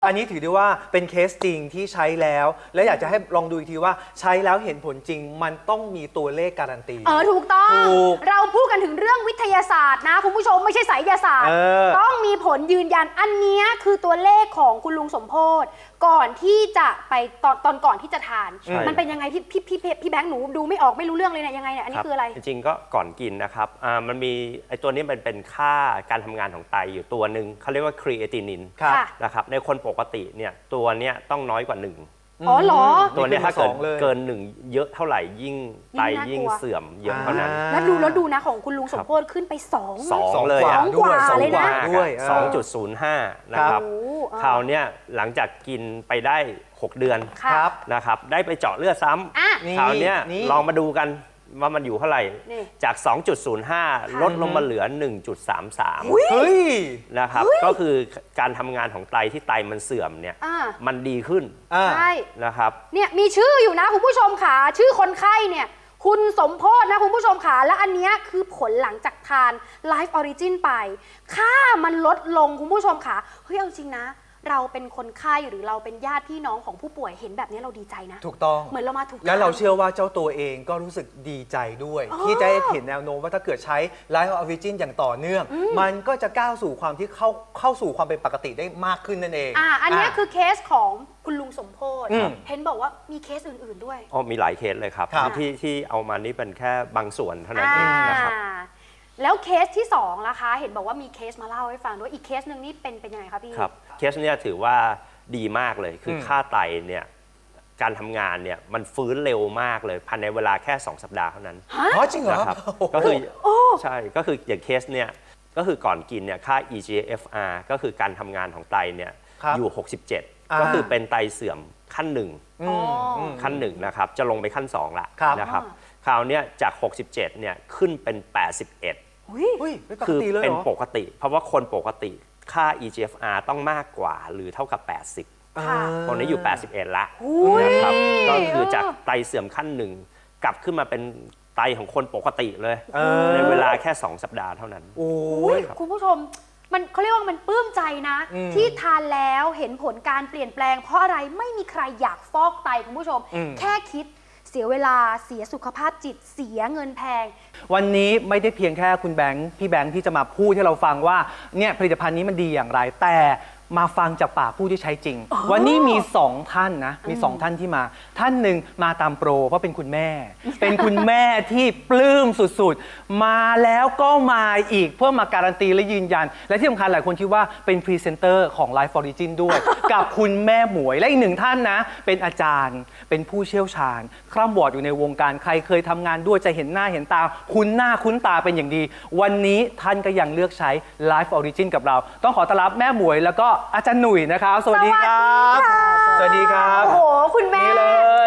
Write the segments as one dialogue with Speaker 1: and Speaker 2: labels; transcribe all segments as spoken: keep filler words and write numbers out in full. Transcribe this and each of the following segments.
Speaker 1: อันนี้ถือได้ว่าเป็นเคสจริงที่ใช้แล้ว และอยากจะให้ลองดูอีกทีว่าใช้แล้วเห็นผลจริงมันต้องมีตัวเลขการันตี
Speaker 2: เออถูกต้อง
Speaker 1: ถูก
Speaker 2: เราพูดกันถึงเรื่องวิทยาศาสตร์นะคุณผู้ชมไม่ใช่ไสยศาสตร์
Speaker 1: เออ
Speaker 2: ต้องมีผลยืนยันอันนี้คือตัวเลขของคุณลุงสมโพธก่อนที่จะไปตอนตอนก่อนที่จะทาน มันเป็นยังไงพี่พี่พี่พี่แบงค์หนูดูไม่ออกไม่รู้เรื่องเลยเนี่ยยังไงเนี่ยอันนี้คืออะไร
Speaker 3: จริงๆก็ก่อนกินนะครับอ่ามันมีไอตัวนี้มันเป็นค่าการทำงานของไตอยู่ตัวหนึ่งเขาเรียกว่าครีเอตินิน
Speaker 1: ครับ
Speaker 3: นะครับในคนปกติเนี่ยตัวเนี้ยต้องน้อยกว่าหนึ่ง
Speaker 2: อ๋อเหรอ
Speaker 3: ตัวเนี้ยถ้าเกิด
Speaker 1: นี่คือสองเลย
Speaker 3: เกินหนึ่งเยอะเท่าไหร่ยิ่งไต
Speaker 2: ยิ่งน่ากลัว
Speaker 3: ยิ่งเสื่อมเยอะเท่านั้น
Speaker 2: แล้วดูแล้วดูนะของคุณลุงสมโพธขึ้นไปสอง
Speaker 3: สอง
Speaker 1: สอง
Speaker 3: เลย
Speaker 1: กว่า
Speaker 3: อะ
Speaker 1: ด้วย
Speaker 2: สองกว่าเลยนะ
Speaker 1: ด้วยเออ
Speaker 3: สองจุดศูนย์ห้านะครับ
Speaker 2: โอ้อ่า
Speaker 3: คราวเนี้ยหลังจากกินไปได้หกเดือน
Speaker 2: ค่ะ
Speaker 1: ครับ
Speaker 3: นะครับได้ไปเจาะเลือดซ้
Speaker 2: อ่ะ
Speaker 1: นี่
Speaker 3: ำคราวเนี้ย
Speaker 1: นี่
Speaker 3: ลองมาดูกันว่ามันอยู่เท่าไหร่
Speaker 2: นี่
Speaker 3: จาก สองจุดศูนย์ห้า ลดลงมาเหลือ หนึ่งจุดสามสาม
Speaker 1: เฮ้ย
Speaker 3: นะครับก็คือการทำงานของไตที่ไตมันเสื่อมเนี่ย
Speaker 2: อ่า
Speaker 3: มันดีขึ้น
Speaker 1: อ่า
Speaker 2: ใช่
Speaker 3: นะครับ
Speaker 2: เนี่ยมีชื่ออยู่นะคุณผู้ชมขาชื่อคนไข้เนี่ยคุณสมโพธนะคุณผู้ชมขาและอันเนี้ยคือผลหลังจากทาน Life Origin ไป ค่ามันลดลงคุณผู้ชมขาเฮ้ยเอาจริงนะ เราเป็นคนไข้หรือเราเป็นญาติพี่น้องของผู้ป่วยเห็นแบบนี้เราดีใจนะ
Speaker 1: ถูกต้อง
Speaker 2: เหมือนเรามาถูก
Speaker 1: แล้วเรา
Speaker 2: ทง
Speaker 1: เชื่อว่าเจ้าตัวเองก็รู้สึกดีใจด้วย
Speaker 2: อ๋อ
Speaker 1: ที่จะเห็นแนวโน้มว่าถ้าเกิดใช้ Life Origin อย่างต่อเนื่อง มันก็จะก้าวสู่ความที่เข้าเข้าสู่ความเป็นปกติได้มากขึ้นนั่นเอง
Speaker 2: อ่าอันเนี้ย
Speaker 1: ะ
Speaker 2: คือเคสของคุณลุงสมโพธ
Speaker 1: อืม
Speaker 2: เห็นบอกว่ามีเคสอื่นๆด้วย
Speaker 3: อ๋อมีหลายเคสเลยครับ
Speaker 1: ครับ
Speaker 3: ที่ที่เอามานี่เป็นแค่บางส่วนเท่านั้นเองนะครับ
Speaker 2: อ่าแล้วเคสที่สองล่ะคะ เห็นบอกว่ามีเคสมาเล่าให้ฟังด้วยอีกเคสหนึ่งนี่เป็นเป็นยังไงคะพี่
Speaker 3: ครับเคสเนี้ยถือว่าดีมากเลยคืออ
Speaker 1: ม
Speaker 3: ค่าไตเนี่ยการทำงานเนี่ยมันฟื้นเร็วมากเลยภายในเวลาแค่สองสัปดาห์เท่านั้น
Speaker 1: อ๋อจริงเหรอ
Speaker 3: นะครับ
Speaker 1: โอ้โห
Speaker 3: ก็คือใช่ก็คืออย่างเคสเนี่ยก็คือก่อนกินเนี่ยค่า อี จี เอฟ อาร์ ก็คือการทำงานของไตเนี่ย
Speaker 1: ครับ
Speaker 3: อยู่ หกสิบเจ็ด
Speaker 1: อ่า
Speaker 3: ก็คือเป็นไตเสื่อมขั้นหนึ่ง
Speaker 1: อื
Speaker 2: อ๋อ
Speaker 1: มอืม
Speaker 3: ขั้นหนึ่งนะครับจะลงไปขั้นสองละ
Speaker 1: ครับ
Speaker 3: นะครับ
Speaker 2: อ่า
Speaker 3: คราวเนี้ยจาก หกสิบเจ็ดเนี่ยขึ้นเป็น แปดสิบเอ็ด
Speaker 2: อุ๊ย
Speaker 1: เฮ้ยไม่ปก
Speaker 3: คือ
Speaker 1: ติเลย
Speaker 3: เป็น
Speaker 1: เหรอ
Speaker 3: ปกติ เพราะว่าคนปกติค่า อี จี เอฟ อาร์ ต้องมากกว่าหรือเท่ากับ แปดสิบ
Speaker 2: ค่ะ
Speaker 3: ตอนนี้อยู่ แปดสิบเอ็ด ละ
Speaker 2: อุ๊ย
Speaker 3: นะครับก็คือจากไตเสื่อมขั้นหนึ่งกลับขึ้นมาเป็นไตของคนปกติเลย
Speaker 1: เออ
Speaker 3: ในเวลาแค่ สอง สัปดาห์เท่านั้น
Speaker 1: โอ้
Speaker 2: อุ๊
Speaker 1: ย
Speaker 2: ยคุณผู้ชมมันเขาเรียกว่ามันปลื้มใจนะ
Speaker 1: อืม
Speaker 2: ที่ทานแล้วเห็นผลการเปลี่ยนแปลง เพราะอะไรไม่มีใครอยากฟอกไตคุณผู้ชม
Speaker 1: อืม
Speaker 2: แค่คิดเสียเวลาเสียสุขภาพจิตเสียเงินแพง
Speaker 1: วันนี้ไม่ได้เพียงแค่คุณแบงค์พี่แบงค์ที่จะมาพูดให้เราฟังว่าเนี่ยผลิตภัณฑ์นี้มันดีอย่างไร แต่มาฟังจากปากผู้ที่ใช้จริง วันนี้มีสองท่านนะมีสองท่านที่มา ท่านหนึ่งมาตามโปรเพราะเป็นคุณแม่ เป็นคุณแม่ที่ปลื้มสุดๆ มาแล้วก็มาอีกเพื่อมาการันตีและยืนยัน และที่สำคัญหลายคนคิดว่าเป็นพรีเซนเตอร์ของ Life Origin ด้วย กับคุณแม่หมวยและอีกหนึ่งท่านนะเป็นอาจารย์เป็นผู้เชี่ยวชาญคร่ำวอร์ดอยู่ในวงการใครเคยทำงานด้วยจะเห็นหน้าเห็นตาคุ้นหน้าคุ้นตาเป็นอย่างดี วันนี้ท่านก็ยังเลือกใช้ Life Origin กับเรา ต้องขอต้อนรับแม่หมวยแล้วก็อาจารย์หนุ่ยนะครับ สวัสดีครับ สวัสดีครับ
Speaker 2: โอ้โห คุณแม่
Speaker 1: นี่เลย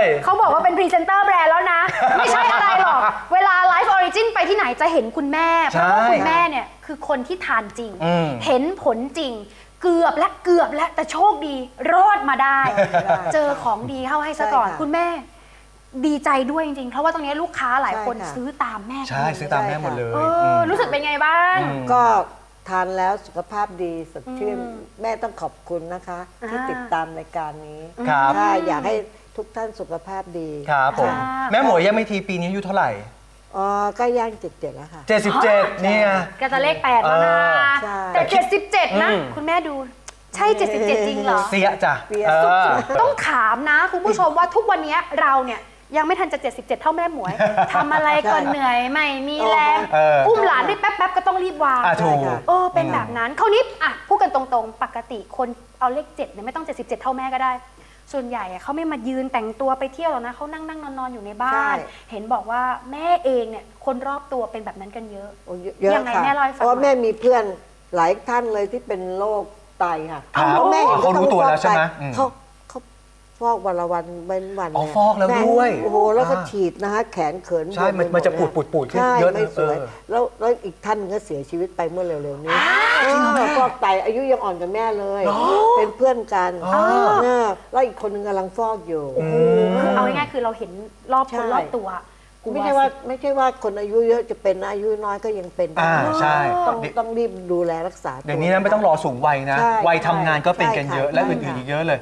Speaker 2: เขาบอกว่าเป็นพรีเซนเตอร์แบรนด์แล้วนะ ไม่ใช่อะไรหรอก เวลา Life Origin ไปที่ไหนจะเห็นคุณแม่ เพราะว่าคุณแม่เนี่ยคือคนที่ทานจริง
Speaker 1: อืม
Speaker 2: เห็นผลจริง เกือบและเกือบและแต่โชคดีรอดมาได้ เจอของดีเข้าให้ซะก่อน
Speaker 4: ใช่ค่ะ
Speaker 2: คุณแม่ดีใจด้วยจริงๆ เพราะว่าตรงนี้ลูกค้าหลายคน
Speaker 4: ใช่ค่ะ
Speaker 2: ซื้อตามแม่
Speaker 1: ใช่ซื้อตามแม่หมดเลย
Speaker 2: เออรู้สึกเป็นไงบ้าง
Speaker 1: อืม
Speaker 4: ก็ทานแล้วสุขภาพดีสดชื่น
Speaker 2: อืม
Speaker 4: แม่ต้องขอบคุณนะคะ ที่
Speaker 2: อ่า
Speaker 4: ติดตามรายการนี้
Speaker 1: ครับ
Speaker 4: ถ้าอยากให้ทุกท่านสุขภาพดี
Speaker 1: ครับผม
Speaker 2: ค่ะ
Speaker 1: แม่หมวยยังไม่ทีปีนี้อายุเท่าไหร่
Speaker 4: อ๋อก็ย่างเจ็ดเจ็ดแล้วค่ะ
Speaker 1: เจ็ดสิบเจ็ดเนี่ย
Speaker 2: ก็จะเลขแปดแล้วนะ
Speaker 4: ใช่
Speaker 2: แต่เจ็ดสิบเจ็ดนะ
Speaker 1: อืม
Speaker 2: คุณแม่ดูใช่เจ็ดสิบเจ็ดจริงเหรอ
Speaker 1: เสียจ้ะ
Speaker 4: เสีย
Speaker 1: เออ
Speaker 2: ต้องถามนะคุณผู้ชมว่าทุกวันนี้เราเนี่ยยังไม่ทันจะเจ็ดสิบเจ็ดเท่าแม่หมวย ทำอะไรก็เหนื่อยไม่มีแรง
Speaker 1: เออ
Speaker 2: อุ้มหลานได้แป๊บๆก็ต้องรีบวาง
Speaker 1: อ่ะถูก
Speaker 2: เออเป็นแบบนั้นคราวนี้อ่ะพูดกันตรงๆ ปกติคนเอาเลขเจ็ดเนี่ยไม่ต้องเจ็ดสิบเจ็ดเท่าแม่ก็ได้ ส่วนใหญ่อะเขาไม่มายืนแต่งตัวไปเที่ยวหรอกนะเขานั่งนั่งนอนนอนอยู่ในบ้าน
Speaker 4: ใช่
Speaker 2: เห็นบอกว่าแม่เองเนี่ยคนรอบตัวเป็นแบบนั้นกันเยอะ
Speaker 4: โอ้เยอะ
Speaker 2: ยังไง
Speaker 4: ค่ะ
Speaker 2: แม่เล่าให้ฟัง
Speaker 4: เพราะ
Speaker 2: หน่อย
Speaker 4: แม่มีเพื่อนหลายท่านเลยที่เป็นโรคไตค่ะ
Speaker 1: ครับ
Speaker 4: เพราะแม่เห็น
Speaker 1: เขารู้ตัวแล้วใช่ไหมอืม
Speaker 4: เขาเขาฟอกวันละวันเป็นวัน
Speaker 1: อ๋อ
Speaker 4: เนี่ย
Speaker 1: ฟอกแล้ว
Speaker 4: ม่
Speaker 1: ด้วย
Speaker 4: โอ้โหแล้วก็
Speaker 1: อ่า
Speaker 4: ฉีดนะคะแขนเขิน
Speaker 1: ใช่มัน
Speaker 4: บว
Speaker 1: มันจะ
Speaker 4: ไปห
Speaker 1: ปูดปูดปูดขึ้น
Speaker 4: ใช่
Speaker 1: เยอะนะ
Speaker 4: ไม่สวย
Speaker 1: เออ
Speaker 4: แล้วแล้วอีกท่านก็เสียชีวิตไปเมื่อเร็วๆนี้เออฟอกไตอายุยังอ่อนกว่าแม่เลย เป็นเพื่อนกัน
Speaker 1: อ๋อ
Speaker 4: เออแล้วอีกคนนึงกำลังฟอกอยู่
Speaker 2: คือเอาง่ายๆคือเราเห็นรอบคน
Speaker 4: ใช่
Speaker 2: รอบตัวกลัว
Speaker 4: ไม่ใช่ว่าไม่ใช่ว่าคนอายุเยอะจะเป็นนะอายุน้อยก็ยังเป็นได้
Speaker 1: อ่าใช่
Speaker 4: ต้องต้องรีบดูแลรักษาตัว
Speaker 1: เดี๋ยวนี้นะไม่ต้องรอสูงวัยนะ
Speaker 4: ใช่
Speaker 1: วัยทำงานก็เป็นกัน
Speaker 4: ใช่ค่ะ
Speaker 1: เยอะและ
Speaker 4: ใช่
Speaker 1: อื่นๆ
Speaker 4: ค่ะ
Speaker 1: อีกเยอะเลย